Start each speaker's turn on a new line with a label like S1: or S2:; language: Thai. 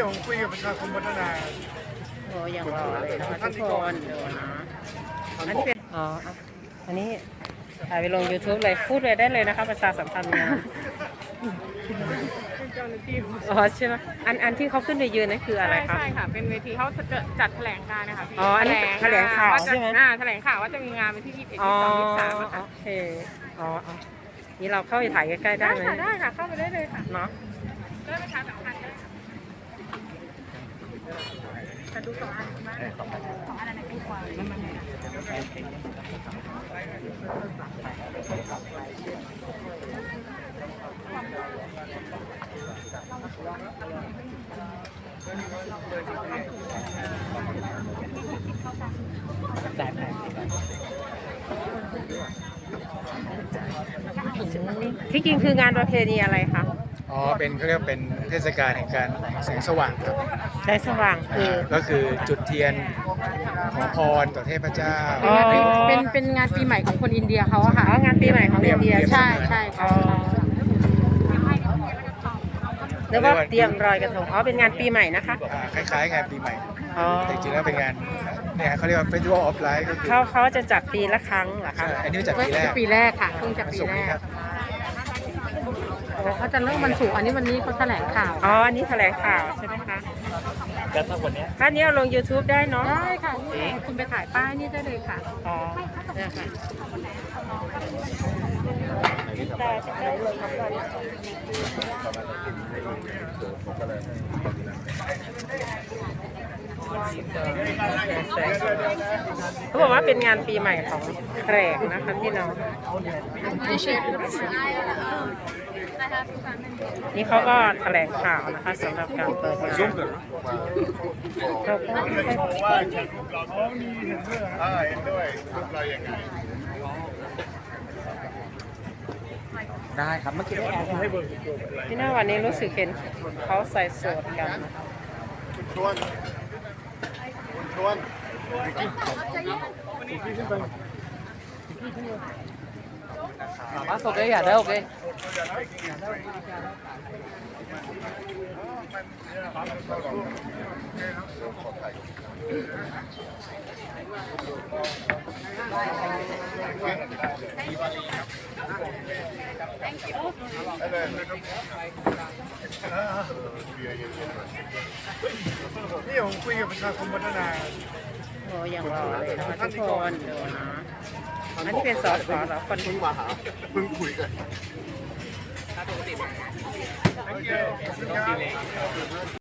S1: ผมคุยกับประชาคมพัฒนา
S2: โอ้ยังรอเลยนะคะทุกคนดูนะอันนี้เป็นอันนี้ถ่ายไปลง YouTube เลยพูดเลยได้เลยนะคะประชาสัมพันธ์งานอ๋อใช่ไหมอันที่เขาขึ้นไปยืนนั่นคืออะไรคะ
S3: ใช่ค่ะเป็นเวทีเขาจะจัดแถลงการนะคะพี่
S2: อันนี้แถลงข่าวใช่ไหม
S3: แถลงข่าวว่าจะมีงานวันที่21 22 23ค่ะ
S2: โอเคนี่เราเข้าไปถ่ายใกล้ๆได้ไหม
S3: ได้ค่ะเข้าไปได้เลยค่ะ
S2: เนาะ
S3: ได้ประชาสัมพันธ์ได้จะดู2 อันมาก2 อันอะไรดีกว่า
S2: ที่จริงคืองานประเพณีอะไรคะ
S1: เป็นเขาเรียกเป็นเทศกาลแห่งการแสงสว่างครับ
S2: แสงสว่าง
S1: ก็คือจุดเทียนขอพรต่อเทพเจ้า
S3: เป็นงานปีใหม่ของคนอินเดียเขาอะค่ะ
S2: งานปีใหม่ของอินเดีย
S3: ใช่ค่ะ
S2: หรือว่าเตรียมรอยกระทงเป็นงานปีใหม่นะคะ
S1: คล้ายๆงานปีใหม่แต่จริงๆแล้วเป็นงานเนี่ยเขาเรียกว่า Festival of Light ก็คือ
S2: เขาจะจัดปีละครั้งเหรอคะ
S1: อันนี้จัด
S3: ปีแรกค่ะเพิ่งจะปีแรกเขาจะเริ่มวันศุกร์อันนี้วันนี้เขาแถลงข่าว
S2: อันนี้แถลงข่าวใช่ไหมคะ
S1: แล้วถ้าวันนี้
S2: ถ้านี้เอาลง YouTube ได้เนาะ
S3: ได้ค่ะคุณไปถ่ายป้ายนี่ได้เลยค่ะ
S2: เนี่ยค่ะเขาบอกว่าเป็นงานปีใหม่ของแขกนะคะพี่น้องนี่เขาก็แถลงข่าวนะคะสำหรับการเปิดงาน
S1: ได้ครับเมื่อกี้
S2: พี่น้าวันนี้รู้สึกเห็นเขาใส่สูทกัน
S4: มาโอเคอย่าได้โอเค
S1: นี่ผมคุยกับประชาคมพัฒนา
S2: โอ้ยังรอเลยนะคะทุกคนดูนะอันนี้เป็นสอสอเหรอคน
S1: เพิ่งมาหาเพิ่งคุยกัน